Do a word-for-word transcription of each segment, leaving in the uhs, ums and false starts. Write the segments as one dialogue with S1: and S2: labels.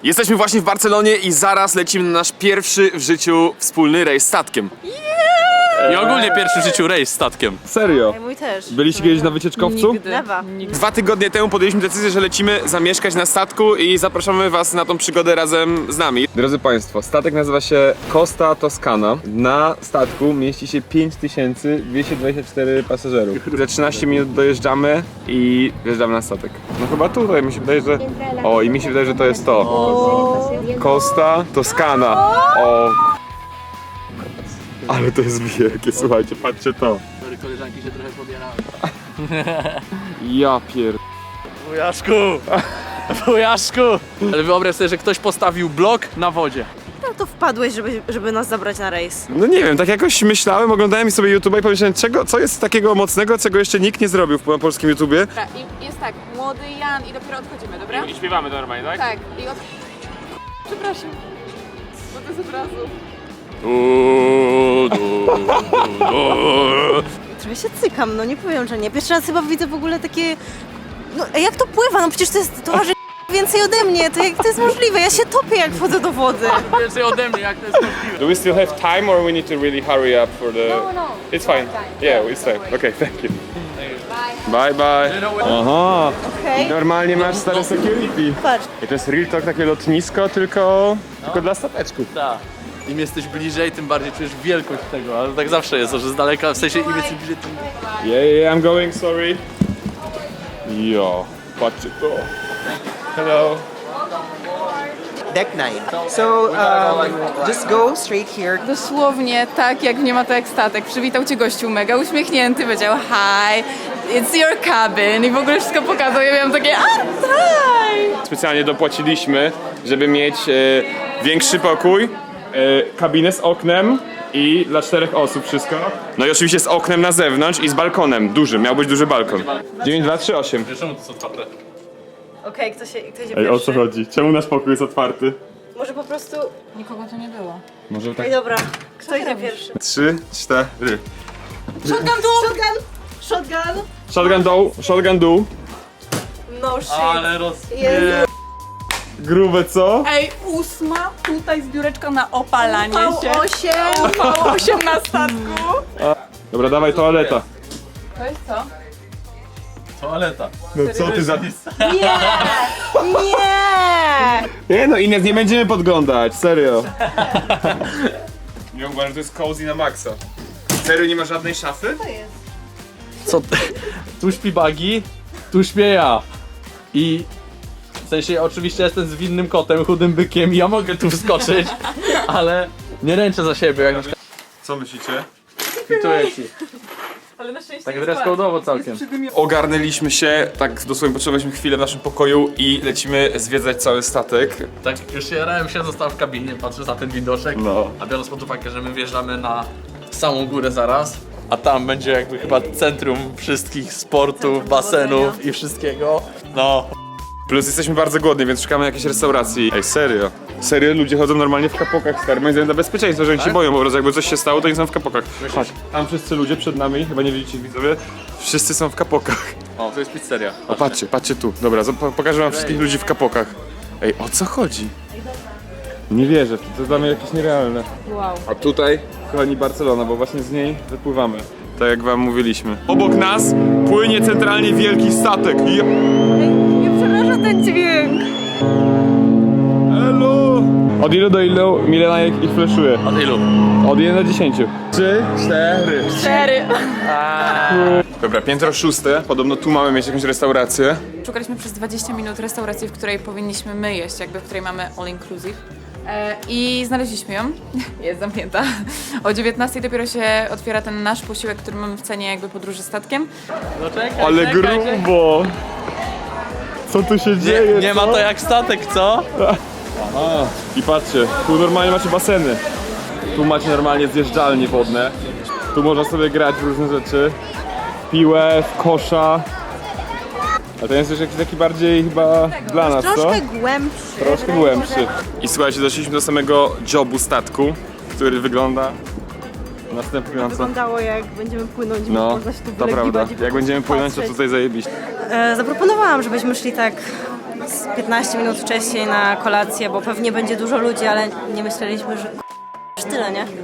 S1: Jesteśmy właśnie w Barcelonie i zaraz lecimy na nasz pierwszy w życiu wspólny rejs statkiem.
S2: I ogólnie pierwszy w życiu rejs statkiem.
S1: Serio?
S3: Mój też.
S1: Byliście kiedyś na wycieczkowcu?
S3: Nigdy. Lewa.
S1: Dwa tygodnie temu podjęliśmy decyzję, że lecimy zamieszkać na statku i zapraszamy was na tą przygodę razem z nami. Drodzy Państwo, statek nazywa się Costa Toscana. Na statku mieści się pięć tysięcy dwieście dwadzieścia cztery pasażerów. Za trzynaście minut dojeżdżamy i wjeżdżamy na statek. No chyba tutaj mi się wydaje, że... O, i mi się wydaje, że to jest to. Costa Toscana. O. Ale to jest wielkie, słuchajcie, patrzcie to.
S2: Koleżanki się trochę pobierały.
S1: Ja pier...
S2: Wujaszku! Wujaszku! Ale wyobraź sobie, że ktoś postawił blok na wodzie.
S3: Jak to wpadłeś, żeby, żeby nas zabrać na rejs?
S1: No nie wiem, tak jakoś myślałem, oglądałem sobie YouTube'a i pomyślałem, czego, co jest takiego mocnego, czego jeszcze nikt nie zrobił w polskim YouTubie.
S4: Dobra, i jest tak, młody Jan i dopiero odchodzimy, dobra?
S1: I śpiewamy normalnie, tak?
S4: Tak, i od... Przepraszam, bo to jest od razu.
S3: Trochę się cykam, no nie powiem, że nie. Pierwszy raz chyba widzę w ogóle takie... No a jak to pływa? No przecież to jest... To waży więcej ode mnie, to jak to jest możliwe? Ja się topię, jak wchodzę do wody.
S2: Więcej ode mnie, jak to jest możliwe.
S1: Do we still have time or we need to really hurry up for the...
S4: No, no.
S1: It's fine. Yeah, it's fine. Okay, thank you. Bye bye. Aha.
S3: Okej.
S1: Normalnie masz stare security.
S3: Patrz.
S1: I to jest real talk, takie lotnisko, tylko... tylko dla stateczków.
S2: Tak. Im jesteś bliżej, tym bardziej czujesz wielkość tego, ale tak zawsze jest, że z daleka, w sensie im jesteś bliżej, tym...
S1: Yeah, yeah, I'm going, sorry. Jo, patrzcie to. Hello.
S5: Deck nine. So um, just go straight here.
S4: Dosłownie tak, jak nie ma to jak statek. Przywitał cię gościu mega uśmiechnięty, powiedział hi, it's your cabin i w ogóle wszystko pokazał. Ja miałam takie, a tak!
S1: Specjalnie dopłaciliśmy, żeby mieć e, większy pokój, e, kabinę z oknem i dla czterech osób wszystko. No i oczywiście z oknem na zewnątrz i z balkonem, dużym, miał być duży balkon. dziewięć dwa trzy osiem.
S2: Czemu to jest otwarte?
S3: Okej, kto się, kto się
S1: Ej, o
S3: pierwszy?
S1: co chodzi? Czemu nasz pokój jest otwarty?
S3: Może po prostu...
S4: Nikogo tu nie było.
S1: Może tak...
S3: Ej, dobra. Kto idzie pierwszy?
S1: Trzy, cztery.
S3: Shotgun dół! Shotgun! Shotgun!
S1: Shotgun dół, shotgun dół.
S3: No shit.
S2: Ale roz...
S3: Jezu.
S1: Grube co?
S4: Ej, ósma, tutaj zbióreczka na opalanie się.
S3: V osiem!
S4: V osiem na statku.
S1: Dobra, dawaj toaleta.
S4: To jest co?
S2: Toaleta.
S1: No co ty za...
S3: Nie! Nie!
S1: Nie no, Ines, nie będziemy podglądać, serio. Ja uważam, że to jest cozy na maksa. Serio, nie ma żadnej szafy?
S2: Co ty? Tu śpi Bagi, tu śpię ja. I... W sensie oczywiście jestem zwinnym kotem, chudym bykiem i ja mogę tu wskoczyć, ale nie ręczę za siebie, jak na przykład
S1: Co myślicie?
S2: kwituję ci.
S4: Ale na szczęście
S2: Tak
S4: jest
S2: dress code'owo całkiem.
S1: Ogarnęliśmy się, tak dosłownie potrzebowaliśmy chwilę w naszym pokoju i lecimy zwiedzać cały statek.
S2: Tak już jarałem się, zostałem w kabinie, patrzę na ten widoczek,
S1: No.
S2: a biorąc pod uwagę, że my wjeżdżamy na samą górę zaraz, a tam będzie jakby chyba centrum wszystkich sportów, basenów i wszystkiego, no.
S1: Plus jesteśmy bardzo głodni, więc szukamy jakiejś restauracji. Ej, serio? Serio? Ludzie chodzą normalnie w kapokach, stary. Moim zdaniem dla bezpieczeństwa, że oni się boją, po prostu jakby coś się stało, to oni są w kapokach. Chodź. Tam wszyscy ludzie przed nami, chyba nie widzicie widzowie, wszyscy są w kapokach.
S2: O, to jest pizzeria.
S1: O, patrzcie, patrzcie tu. Dobra, zo- po- pokażę wam wszystkich ludzi w kapokach. Ej, o co chodzi? Nie wierzę, to jest dla mnie jakieś nierealne.
S4: Wow.
S1: A tutaj, kochani, Barcelona, bo właśnie z niej wypływamy. Tak jak wam mówiliśmy. Obok nas płynie centralnie wielki statek. Je-
S3: Nie przeraża ten dźwięk.
S1: Hello! Od ilu do ilu Milena ich, ich fleszuje?
S2: Od ilu?
S1: Od jeden do dziesięciu. Trzy, cztery.
S4: Cztery.
S1: Dobra, piętro szóste. Podobno tu mamy mieć jakąś restaurację.
S4: Szukaliśmy przez dwadzieścia minut restauracji, w której powinniśmy my jeść, jakby w której mamy all inclusive. E, I znaleźliśmy ją. Jest zamknięta. O dziewiętnastej dopiero się otwiera ten nasz posiłek, który mamy w cenie jakby podróży statkiem.
S2: No czekaj,
S1: Ale
S2: czekaj, czekaj.
S1: grubo! Co tu się dzieje?
S2: Nie, nie ma
S1: co?
S2: to jak statek, co?
S1: A, i patrzcie, tu normalnie macie baseny. Tu macie normalnie zjeżdżalnie wodne. Tu można sobie grać w różne rzeczy. Piłę, w kosza. A ten jest już jakiś taki bardziej chyba dla nas, co?
S3: Troszkę głębszy.
S1: Troszkę głębszy. I słuchajcie, doszliśmy do samego jobu statku, który wygląda następująco.
S3: Wyglądało jak będziemy płynąć,
S1: No,
S3: można się tu
S1: to prawda.
S3: wylegiwać i
S1: Jak będziemy płynąć, to
S3: patrzeć.
S1: tutaj zajebiście.
S3: E, zaproponowałam, żebyśmy szli tak z piętnaście minut wcześniej na kolację, bo pewnie będzie dużo ludzi, ale nie myśleliśmy, że k***, tyle, nie?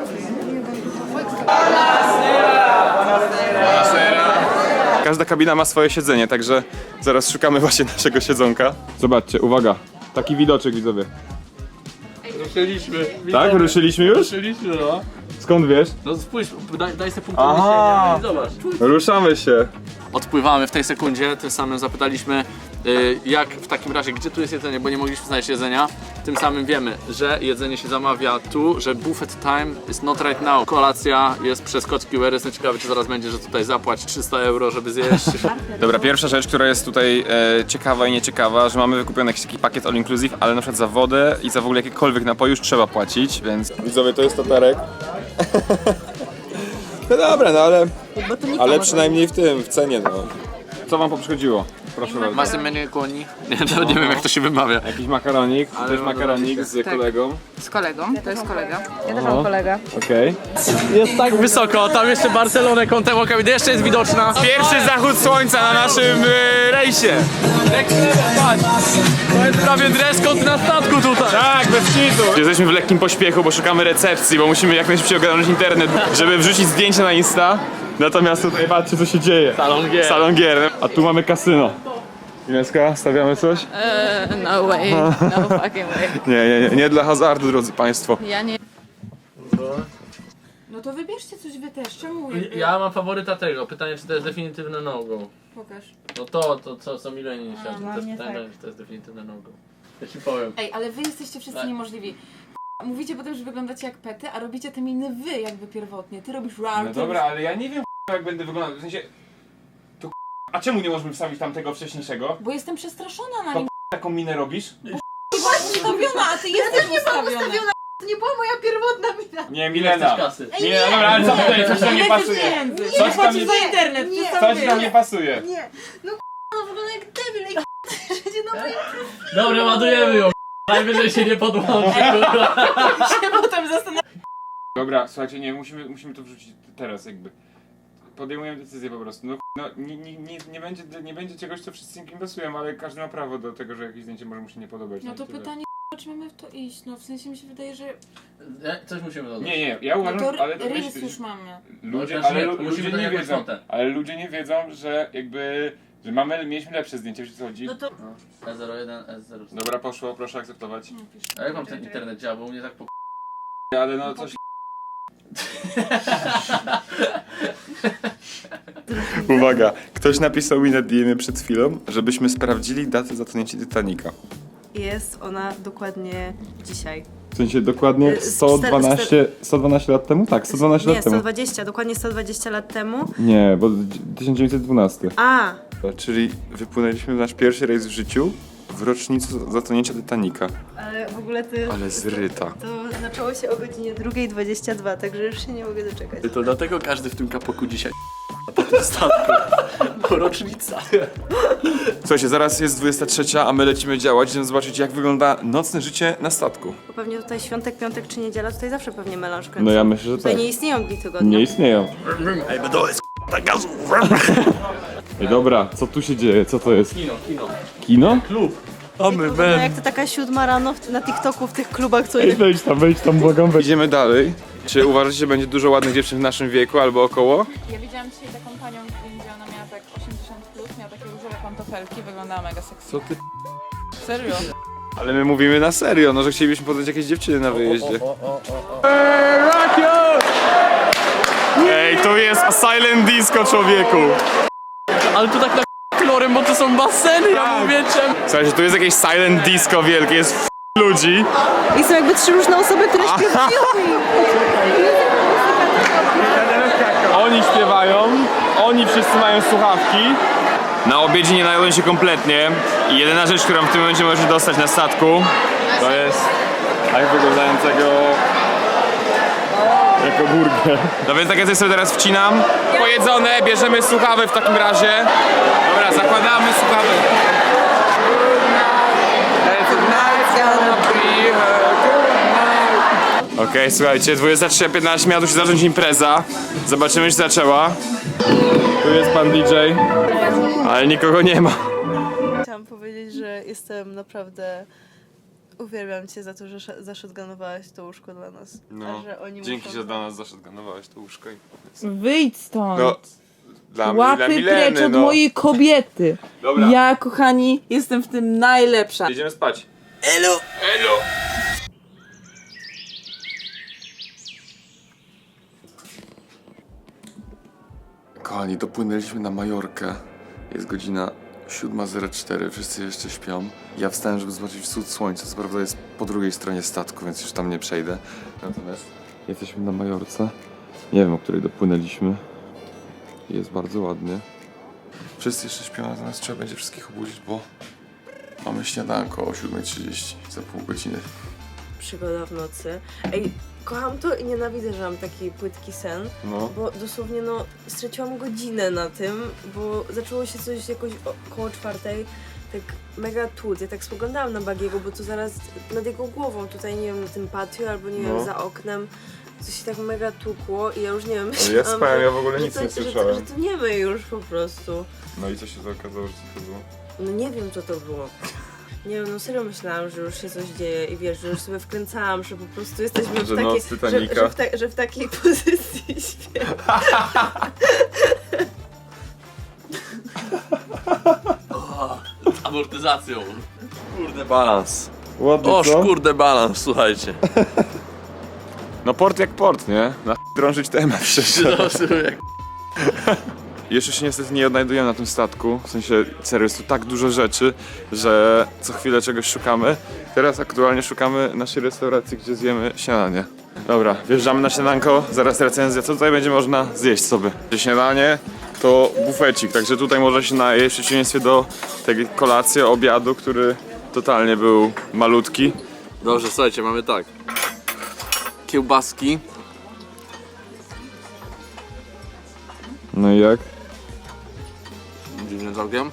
S1: Każda kabina ma swoje siedzenie, także zaraz szukamy właśnie naszego siedzonka. Zobaczcie, uwaga, taki widoczek widzowie.
S2: Ruszyliśmy.
S1: Tak? Ruszyliśmy już?
S2: Ruszyliśmy, no.
S1: Skąd wiesz?
S2: No spójrz, daj, daj sobie punkt
S1: Aha.
S2: odniesienia i zobacz.
S1: Ruszamy się.
S2: Odpływamy w tej sekundzie, tym samym zapytaliśmy y, jak w takim razie, gdzie tu jest jedzenie, bo nie mogliśmy znaleźć jedzenia. Tym samym wiemy, że jedzenie się zamawia tu, że buffet time is not right now. Kolacja jest przez kod Q R, jestem ciekawy czy zaraz będzie, że tutaj zapłać trzysta euro, żeby zjeść.
S1: Dobra, pierwsza rzecz, która jest tutaj e, ciekawa i nieciekawa, że mamy wykupiony jakiś taki pakiet all inclusive, ale na przykład za wodę i za w ogóle jakiekolwiek napój już trzeba płacić, więc... Widzowie, to jest tatarek. No dobra, no ale... Ale przynajmniej w tym, w cenie, no. Co wam poprzchodziło? Proszę bardzo.
S2: Masy menu koni. Nie, nawet nie wiem jak to się wymawia.
S1: Jakiś makaronik, też makaronik z kolegą.
S4: Z kolegą, to jest kolega. Ja też mam kolegę.
S1: Okej.
S2: Jest tak wysoko, tam jeszcze Barcelonę kątem oka, jeszcze jest widoczna.
S1: Pierwszy zachód słońca na naszym e, rejsie.
S2: To jest prawie dress code na statku tutaj.
S1: Tak, bez kitu. Jesteśmy w lekkim pośpiechu, bo szukamy recepcji, bo musimy jak najszybciej ogarnąć internet, żeby wrzucić zdjęcia na Insta. Natomiast tutaj patrzcie, co się dzieje.
S2: Salon gier.
S1: Salon gier. A tu mamy kasyno. Ineska, stawiamy coś?
S4: No way, no fucking way.
S1: Nie, nie, nie, nie dla hazardu, drodzy państwo.
S4: Ja nie... No to wybierzcie coś wy też, czemu? jakby-
S2: Ja mam faworyta tego, pytanie czy to jest definitywne no-go.
S4: Pokaż.
S2: No to, to co, co Milenie nie chciała, to
S3: dla
S2: jest
S3: mnie
S2: pytanie,
S3: tak.
S2: czy to jest definitywne no-go. Ja ci powiem.
S4: Ej, ale wy jesteście wszyscy
S2: Tak.
S4: niemożliwi. Mówicie potem, że wyglądacie jak pety, a robicie te miny wy jakby pierwotnie. Ty robisz rar,
S1: No dobra, ale ja nie wiem jak będę wyglądał, w sensie... To a czemu nie możemy wstawić tamtego wcześniejszego?
S4: Bo jestem przestraszona na
S1: To
S4: nim.
S1: Taką minę robisz?
S4: Ustawiona, a ty jesteś ustawiona.
S3: To nie była moja pierwotna mina.
S1: Nie,
S2: Ile
S1: Milena.
S2: chcesz kasy?
S1: Nie, dobra, ale co tutaj, coś tam nie pasuje. Coś tam nie,
S4: za internet,
S3: Nie.
S1: coś tam nie pasuje.
S3: Nie, no k***a, no wygląda jak debil, jak k***a, na moim
S2: Dobra, ładujemy ją. Najwyżej się nie podłączy, kurwa.
S4: się potem zastanawiam.
S1: Dobra, słuchajcie, nie, musimy, musimy to wrzucić teraz jakby. Podejmujemy decyzję po prostu. No, no nie, nie, nie, nie, będzie, nie będzie czegoś, co wszyscy im pasują, ale każdy ma prawo do tego, że jakieś zdjęcie może mu się nie podobać.
S4: No
S1: i
S4: to
S1: tyle.
S4: pytanie, czy mamy w to iść? No w sensie mi się wydaje, że...
S2: Nie, coś musimy dodać.
S1: Nie, nie, ja
S4: No
S1: uważam,
S4: to
S1: ale to
S4: rys
S1: myśl-
S4: już mamy.
S1: ludzie,
S2: No,
S1: ale
S2: nie,
S1: lu-
S2: to musimy
S1: ludzie
S2: dać
S1: nie
S2: jakąś
S1: wiedzą,
S2: notę.
S1: ale ludzie nie wiedzą, że jakby, że mamy, mieliśmy lepsze zdjęcie, wiesz o co chodzi?
S3: No to
S2: E zero jeden, E zero cztery.
S1: Dobra, poszło, proszę akceptować.
S4: No, pisz.
S2: A jak mam ten internet działa, bo u mnie tak po...
S1: Ale no coś... Uwaga, ktoś napisał mi na D M przed chwilą, żebyśmy sprawdzili datę zatonięcia Titanica.
S3: jest ona dokładnie dzisiaj.
S1: W sensie dokładnie
S3: Y,
S1: sto dwanaście, sto dwanaście lat temu? Tak, sto dwanaście
S3: Nie,
S1: lat temu.
S3: sto dwadzieścia, dokładnie sto dwadzieścia lat temu.
S1: Nie, bo tysiąc dziewięćset dwanaście.
S3: A,
S1: Czyli wypłynęliśmy w nasz pierwszy rejs w życiu w rocznicę zatonięcia Titanica.
S3: ale w ogóle to jest...
S1: Ale zryta.
S3: To zaczęło się o godzinie drugiej dwadzieścia dwa, także już się nie mogę doczekać.
S2: To dlatego każdy w tym kapoku dzisiaj po tym statku. Bo rocznica.
S1: Słuchajcie, zaraz jest dwudziesta trzecia, a my lecimy działać, żeby zobaczyć jak wygląda nocne życie na statku.
S3: Bo pewnie tutaj świątek, piątek czy niedziela, tutaj zawsze pewnie melanż kręcą.
S1: No ja myślę, że
S3: Tutaj
S1: tak.
S3: nie istnieją dni tygodnia.
S1: Nie istnieją. Ej, to jest gazu. Ej, dobra, co tu się dzieje? Co to jest?
S2: Kino, kino.
S1: Kino?
S2: Klub.
S3: To wygląda jak to taka siódma rano w, na TikToku w tych klubach, co
S1: Ej, wejdź tam, wejdź tam, błagam. Idziemy dalej. Czy uważacie, że będzie dużo ładnych dziewczyn w naszym wieku albo około?
S4: Ja widziałam dzisiaj taką panią w Indii, ona miała tak osiemdziesiąt plus, miała takie różowe pantofelki, wyglądała mega sexy.
S1: Co ty?
S4: Serio?
S1: Ale my mówimy na serio, no że chcielibyśmy poznać jakieś dziewczyny na wyjeździe. Ej, to jest silent disco, człowieku!
S2: Ale tu tak na kolorem, bo to są baseny, ja mówię czemu.
S1: Słuchajcie, tu jest jakieś silent disco wielkie, jest f- ludzi.
S3: I są jakby trzy różne osoby, które śpiewają.
S1: Oni śpiewają, oni wszyscy mają słuchawki. Na obiedzie nie najadłem się kompletnie i jedyna rzecz, którą w tym momencie możesz dostać na statku, to jest tak wyglądającego jako burger. No więc tak ja sobie teraz wcinam. Pojedzone, bierzemy słuchawy w takim razie. Dobra, zakładamy słuchawy. Okej, okay, słuchajcie, dwudziesta trzecia piętnaście miała tu się zacząć impreza. Zobaczymy, czy zaczęła. Tu jest pan D J, ale nikogo nie ma.
S3: Chciałam powiedzieć, że jestem naprawdę... Uwielbiam cię za to, że sz- zashotgunowałaś to łóżko dla nas.
S1: No,
S3: A że oni
S1: dzięki,
S3: muszą...
S1: że dla nas zaszotganowałeś to łóżko i
S6: Wyjdź stąd.
S1: No, dla mnie, dla
S6: Łapy
S1: Mileny,
S6: precz od
S1: no.
S6: mojej kobiety.
S1: Dobra.
S6: Ja, kochani, jestem w tym najlepsza.
S1: Jedziemy spać.
S5: Hello.
S1: Elo! Kochani, dopłynęliśmy na Majorkę. Jest godzina siódma zero cztery, wszyscy jeszcze śpią. Ja wstałem, żeby zobaczyć wschód słońca. Co prawda jest po drugiej stronie statku, więc już tam nie przejdę. Natomiast jesteśmy na Majorce. Nie wiem, o której dopłynęliśmy. Jest bardzo ładnie. Wszyscy jeszcze śpią, natomiast trzeba będzie wszystkich obudzić, bo mamy śniadanko o siódma trzydzieści za pół godziny.
S3: Przygoda w nocy. Ej, kocham to i nienawidzę, że mam taki płytki sen,
S1: No.
S3: bo dosłownie no straciłam godzinę na tym, bo zaczęło się coś jakoś około czwartej, tak mega tłuc. Ja tak spoglądałam na Bagiego, bo to zaraz nad jego głową, tutaj nie wiem, na tym patio albo nie
S1: No.
S3: wiem, za oknem, coś się tak mega tłukło i ja już nie wiem,
S1: Ale ja spałem, ja w ogóle
S3: że
S1: nic
S3: to,
S1: nie
S3: że,
S1: słyszałem.
S3: że to nie my już po prostu.
S1: No i co się to okazało, że co to było?
S3: No nie wiem, co to było. Nie wiem, no serio myślałam, że już się coś dzieje i wiesz, że już sobie wkręcałam, że po prostu jesteśmy
S1: Że
S3: w,
S1: noc
S3: takiej, że,
S1: Titanica.
S3: że, w ta, że w takiej pozycji śpię.
S2: Z amortyzacją. Kurde balans.
S1: Ładnie,
S2: Oż kurde balans, słuchajcie.
S1: No port jak port, nie? Na drążyć temat szczerze. Jeszcze się niestety nie odnajdujemy na tym statku, w sensie serio jest tu tak dużo rzeczy, że co chwilę czegoś szukamy. Teraz aktualnie szukamy naszej restauracji, gdzie zjemy śniadanie. Dobra, wjeżdżamy na śniadanko, zaraz recenzja, co tutaj będzie można zjeść sobie. Śniadanie to bufecik, także tutaj można się najeść w przeciwieństwie do tej kolacji, obiadu, który totalnie był malutki.
S2: Dobrze, słuchajcie, mamy tak. Kiełbaski.
S1: No i jak?
S2: Dziwnym całkiem.